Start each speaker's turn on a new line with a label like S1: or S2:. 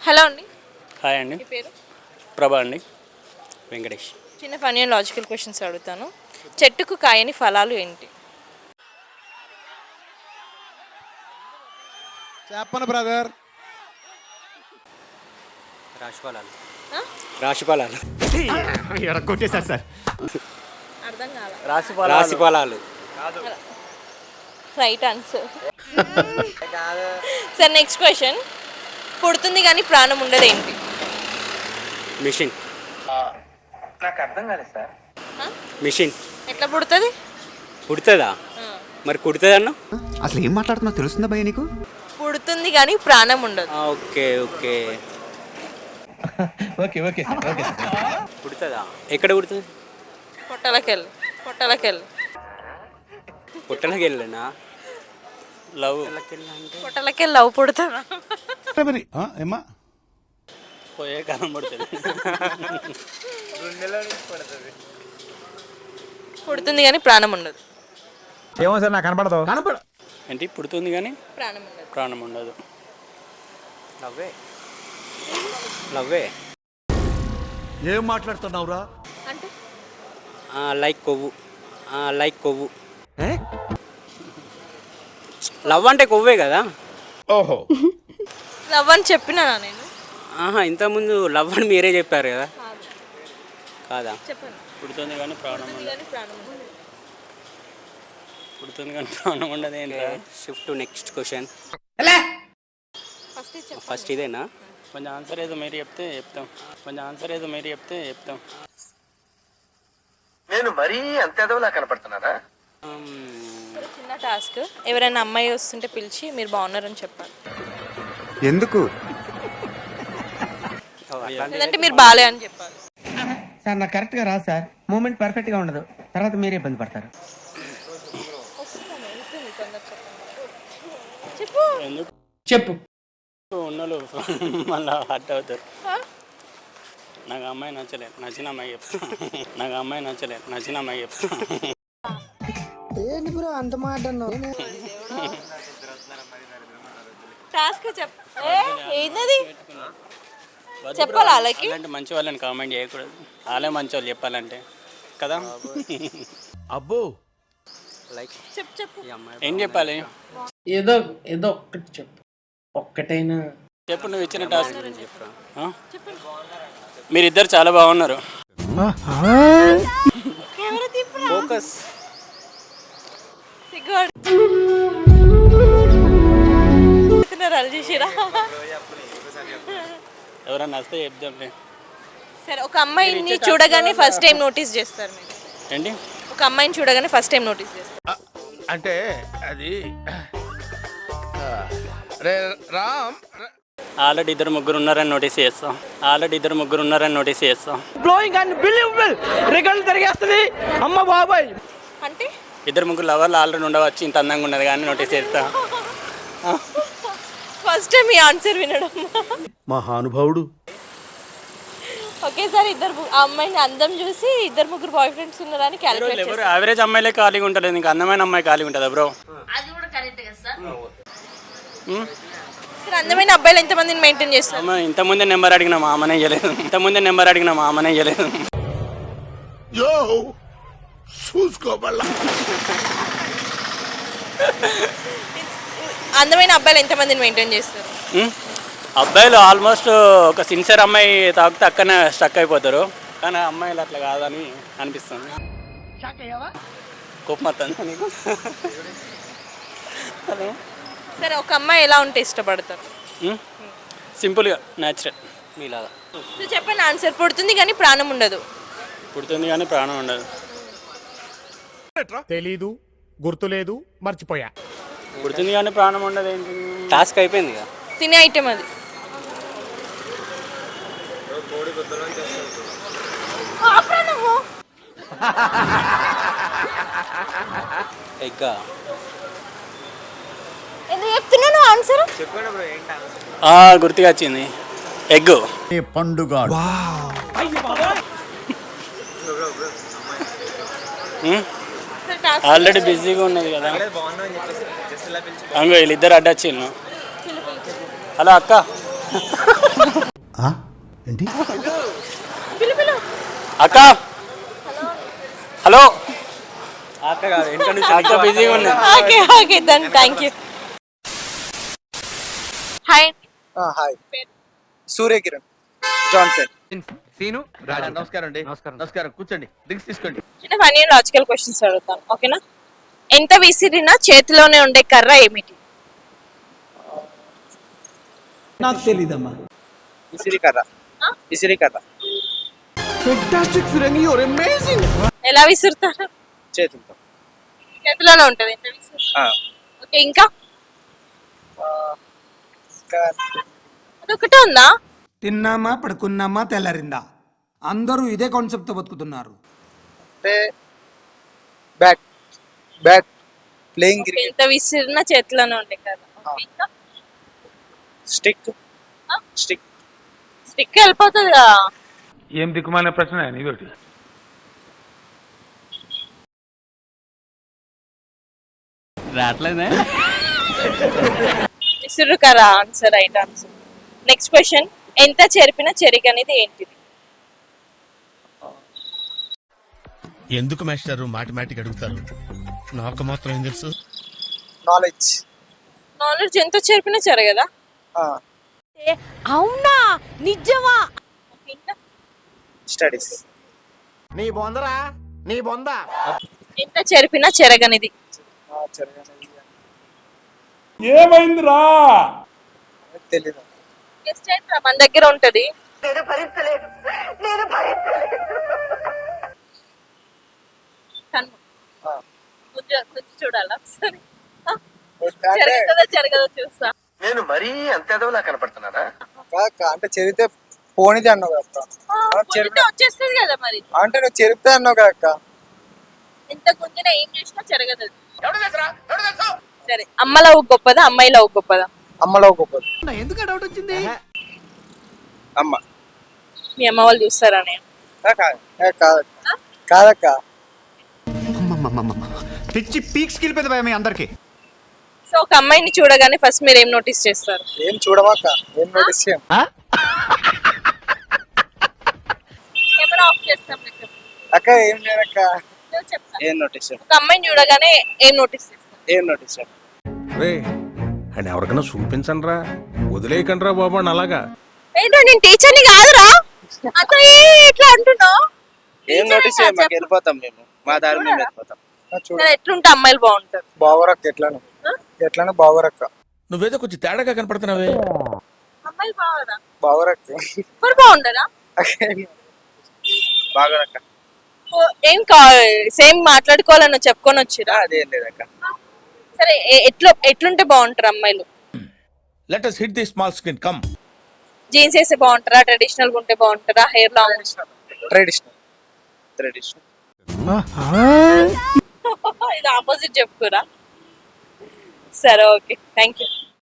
S1: Hello అండి.
S2: Hi అండి.
S1: మీ పేరు?
S2: ప్రభా అండి. వెంకటేష్.
S1: చిన్న ఫన్నీ అండ్ లాజికల్ క్వశ్చన్స్ అడుగుతాను. చెట్టుకు కాయని ఫలాలు ఏంటి?
S3: చెప్పను బ్రదర్.
S2: రాశిఫలాలు.
S1: ఆ?
S2: రాశిఫలాలు.
S3: కొట్టేశారు సార్.
S1: అర్థం కాల.
S2: రాశిఫలాలు.
S1: Right answer. Sir next question. పుడుతుంది కానీ ప్రాణం ఉండదు ఏంటి?
S2: మిషన్.
S4: నాకు అర్థం కాలేదు సార్.
S2: మిషన్.
S1: ఎట్లా పుడుతుంది?
S2: పుడుతుందా? మరి కుడుతుంది అన్న.
S3: అసలు ఏం మాట్లాడుతున్నావు తెలుస్తుందా భయ్య నీకు?
S1: పుడుతుంది కానీ ప్రాణం ఉండదు.
S2: Okay okay.
S4: Okay okay okay.
S2: పుడుతుందా? ఎక్కడ పుడుతుంది?
S1: పొట్టలకెళ్ళి.
S2: పుట్టలకి వెళ్ళనా? లవ్
S1: పొట్టలకెళ్ళి లవ్ పుడుతుందా?
S3: ఏమా
S2: పోయే కాలం పడుతుంది.
S1: పుడుతుంది కానీ ప్రాణం ఉండదు.
S3: ఏమో సార్ నాకు కనపడదు.
S2: ఏంటి పుడుతుంది కానీ
S1: ప్రాణం ఉండదు.
S2: ప్రాణం ఉండదు. లవ్వే.
S5: ఏం మాట్లాడుతున్నావురా?
S1: అంటే
S2: లైక్ కొవ్వు. లవ్ అంటే కొవ్వే కదా.
S5: ఓహో,
S1: లవ్ అని చెప్పినా నేను.
S2: ఇంతకుముందు లవ్ అని మీరే చెప్పారు కదా. కాదా?
S1: చెప్పండి.
S2: పుడుతుంది కానీ ప్రాణం ఉండదు.
S1: కానీ ప్రాణం ఉండదు.
S2: పుడుతుంది కానీ ప్రాణం ఉండదు ఏంటి? Shift to next question. First ఇదేనా? కొంచెం ఆన్సర్ ఏదో మీరు చెప్తే చెప్తాం.
S4: నేను మరీ అంత ఎదవలా కనపడుతున్నారా?
S1: చిన్న టాస్క్. ఎవరైనా అమ్మాయి వస్తుంటే పిలిచి మీరు బాగున్నారని చెప్పాలి.
S3: ఎందుకు?
S1: లేదంటే మీరు బాలే అని చెప్పాలి.
S6: సార్ నాకు కరెక్ట్గా రాదు సార్. మూమెంట్ పర్ఫెక్ట్గా ఉండదు. తర్వాత మీరే ఇబ్బంది పడతారు.
S1: చెప్పు.
S2: ఉన్నోళ్ళు మళ్ళీ హర్ట్ అవుతారు. నాకు అమ్మాయి నచ్చలేదు, నచ్చిన అమ్మాయి చెప్తా.
S6: ఏంటి బ్రో అంత మాట
S1: టాస్క్ ఏంటది చెప్పాలి వాళ్ళకి.
S2: అంటే మంచి వాళ్ళని కామెంట్ చేయకూడదు. వాళ్ళే మంచి వాళ్ళు చెప్పాలంటే కదా.
S5: అబ్బో,
S2: లైక్
S1: చెప్పు.
S2: ఏం చెప్పాలి?
S6: ఏదో ఒక్కటి చెప్పు. ఒక్కటైనా
S2: చెప్పు. నువ్వు ఇచ్చిన టాస్క్ గురించి చెప్పు. మీరిద్దరు చాలా బాగున్నారు. ఫోకస్. ఎవరన్నా వస్తే చెప్దాంలే.
S1: సరే, ఒక అమ్మాయిని చూడగానే ఫస్ట్ టైం నోటీస్ చేస్తారు మీరు
S2: ఏంటి?
S1: ఒక అమ్మాయిని చూడగానే ఫస్ట్ టైం నోటీస్ చేస్తారు.
S5: అంటే అది రే రామ్.
S2: ఆల్రెడీ ఇద్దరు ముగ్గురు ఉన్నారని నోటీస్ చేస్తాం.
S6: బ్లోయింగ్ అండ్ బిలీవబుల్ రికార్డులు తిరిగేస్తుంది. అమ్మ బాబాయ్.
S1: అంటే
S2: ఇద్దరు ముగ్గురు లవర్లు ఆల్రెడీ ఉండవచ్చు. ఇంత అందంగా ఉన్నది కానీ నోటీస్ చేస్తా.
S1: ఫస్ట్ టైం ఈ ఆన్సర్ వినడం.
S5: మహానుభావుడు.
S1: ఒకేసారి ఆ అమ్మాయిని అందం చూసి ఇద్దరు ముగ్గురు బాయ్ ఫ్రెండ్స్ ఉన్నారని క్యాలిక్యులేట్
S2: ఎవరు యావరేజ్ అమ్మాయిలే ఖాళీగా ఉంటుంది. ఇంకా అందమైన అమ్మాయి ఖాళీగా ఉంటుందా బ్రో?
S1: అందమైన అబ్బాయిలు ఎంతమందిని మెయింటైన్ చేస్తారు?
S2: ఇంతకుముందే నెంబర్ అడిగిన మా అమ్మనే చేయలేదు.
S5: యో చూసుకోబల్లా.
S1: అందమైన అబ్బాయిలు ఎంతమందిని మెయింటైన్ చేస్తారు?
S2: అబ్బాయిలు ఆల్మోస్ట్ ఒక సిన్సియర్ అమ్మాయి తాకితే అక్కడనే స్టక్ అయిపోతారు. కానీ అమ్మాయిలు అట్లా కాదని అనిపిస్తుంది. కోపం వస్తుంది నీకు?
S1: సరే, ఒక అమ్మాయి ఎలా ఉంటే ఇష్టపడతారు?
S2: సింపుల్గా, న్యాచురల్ మీలాగా.
S1: చెప్పండి ఆన్సర్. పుడుతుంది కానీ ప్రాణం ఉండదు.
S3: తెలీదు, గుర్తులేదు, మర్చిపోయా.
S2: పుడుతుంది కానీ ప్రాణం ఉండదు ఏంటి? టాస్క్ అయిపోయింది కదా.
S1: తినే ఐటెం అది.
S2: ఎగ్గా?
S1: ఎందుకు చెప్తున్నాను ఆన్సర్?
S2: గుర్తుగా వచ్చింది. ఎగ్.
S5: పండుగ.
S2: ఆల్రెడీ బిజీగా ఉన్నది కదా. అంగో వీళ్ళిద్దరు అడ్డొచ్చిండు. హలో అక్క,
S5: ఏంటి
S2: అక్క హలో అక్క బిజీగా ఉంది.
S1: Okay okay then thank you. Hi
S7: hi Suryakiran Johnson.
S6: Seenu Raja నమస్కారం అండి. నమస్కారం కూర్చోండి, డ్రింక్స్ తీసుకోండి.
S1: చిన్న ఫన్నీ లాజికల్ క్వశ్చన్స్ అడుగుతాను, ఓకేనా? ఎంత విసిరినా చేతిలోనే ఉండే కర్ర ఏమిటి?
S6: నాకు తెలీదమ్మా.
S7: విసిరికర్ర. విసిరికర్ర.
S5: ఫెంటాస్టిక్ ఫిరంగి యువర్ అమేజింగ్.
S1: ఎలా విసురుతారు?
S7: చేతులతో.
S1: చేతిలోనే ఉంటది. ఎంత విసురు? ఓకే, ఇంకా అదొకటే ఉందా?
S8: తిన్నామా పడుకున్నామా తెల్లారిందా, అందరూ ఇదే కాన్సెప్ట్ తో బతుకుతున్నారు.
S7: అంటే bat bat playing
S1: okay,
S7: cricket.
S1: ఎంత విసిరినా చేతిలోనే ఉండే కర్ర. ఓకే, ఇంకా
S7: స్టిక్. స్టిక్.
S1: స్టిక్ వెళ్ళిపోతుంది కదా.
S3: ఏం దిక్కుమాలిన ప్రశ్న ఇదొకటి.
S1: విసురు కర్ర answer, right answer. Next question, ఎంత చెరిపినా చెరిక అనేది ఏంటిది?
S5: ఎందుకు మాస్టారు మాటిమాటికి అడుగుతారు? నాకు మాత్రం ఏం తెలుసు.
S7: నాలెడ్జ్.
S1: నాలెడ్జ్ ఎంత చెరిపినా చెరగదా? అవునా, నిజమా? ఇంకా
S7: స్టడీస్.
S3: నీ బొందరా నీ బొంద.
S1: ఎంత చెరిపినా చెరగనిది.
S3: ఏమైందిరా?
S7: తెలీదు.
S1: గెస్ట్ అయితే మన దగ్గర ఉంటది. కన్ను. కొంచెం చూడాలా సరే. చెరగదా చెరగదా చూస్తా.
S4: నేను మరీ అంత ఎదవలా కనపడుతున్నారా?
S7: అంటే చెరిగితే పోనిది అన్నావు కదా అక్క.
S1: గుంజితే వచ్చేస్తుంది కదా మరి.
S7: అంటే నువ్వు చెరిపితే అన్నావు కదా అక్క.
S1: ఎంత గుంజినా ఏం చేసినా చెరగదు అది. సరే, అమ్మ లవ్ గొప్పదా అమ్మాయి లవ్ గొప్పదా?
S7: అమ్మలో గొప్పది.
S8: ఎందుకు డౌట్ వచ్చింది?
S7: అమ్మ.
S1: మీ అమ్మ వాళ్ళు చూస్తారా నేను?
S7: కాదక్క. కాదక్క.
S3: పిచ్చి పీక్స్ కిలిపోయింది భయ మీ అందరికి.
S1: సో ఒక అమ్మాయిని చూడగానే ఫస్ట్ మీరు ఏం నోటీస్ చేస్తారు?
S7: ఏం చూడమాక. ఏం నోటీస్ చేయం.
S1: కెమెరా ఆఫ్ చేస్తాం మీకు.
S7: అక్క ఏం లేదక్క.
S1: నేను చెప్తాను.
S7: ఏం నోటీస్ చేయం.
S1: ఒక అమ్మాయిని చూడగానే ఏం నోటీస్ చేస్తారు?
S7: ఏం నోటీస్ చేయం.
S5: రే అని ఎవరికైనా చూపించండి రా, వదిలేయకండి రా బాబు అని అలాగా.
S1: ఏంటో నేను టీచర్ని కాదురా, అతను ఇట్లా అంటున్నావు.
S7: ఏం నోటీస్ చేయం. మాకు వెళ్ళిపోతాం మేము, మా దారి మేము వెళ్ళిపోతాం.
S1: సరే, ఎట్లుంటే అమ్మాయిలు బాగుంటారు?
S7: బావరక్క. ఎట్లాను ఎట్లాను బావరక్క.
S5: నువ్వేదో కొంచెం తేడాగా కనపడుతున్నావే.
S1: అమ్మాయిలు బాగురా?
S7: బావరక్క.
S1: ఎవరు బాగుండరా?
S7: బావరక్క.
S1: ఏం సేమ్ మాట్లాడుకోవాలని చెప్పుకొని వచ్చిరా?
S7: అదేం లేదక్క.
S1: సరే, ఎట్లుంటే బాగుంటారు అమ్మాయిలు?
S5: Let us hit the small screen, come.
S1: Jeans వేస్తే బాగుంటారా, ట్రెడిషనల్ గా ఉంటే బాగుంటారా, హెయిర్ లాంగ్?
S7: ట్రెడిషనల్. ట్రెడిషనల్.
S1: ఇది ఆపోజిట్ చెప్పుకోరా. సరే, ఓకే, థ్యాంక్ యూ.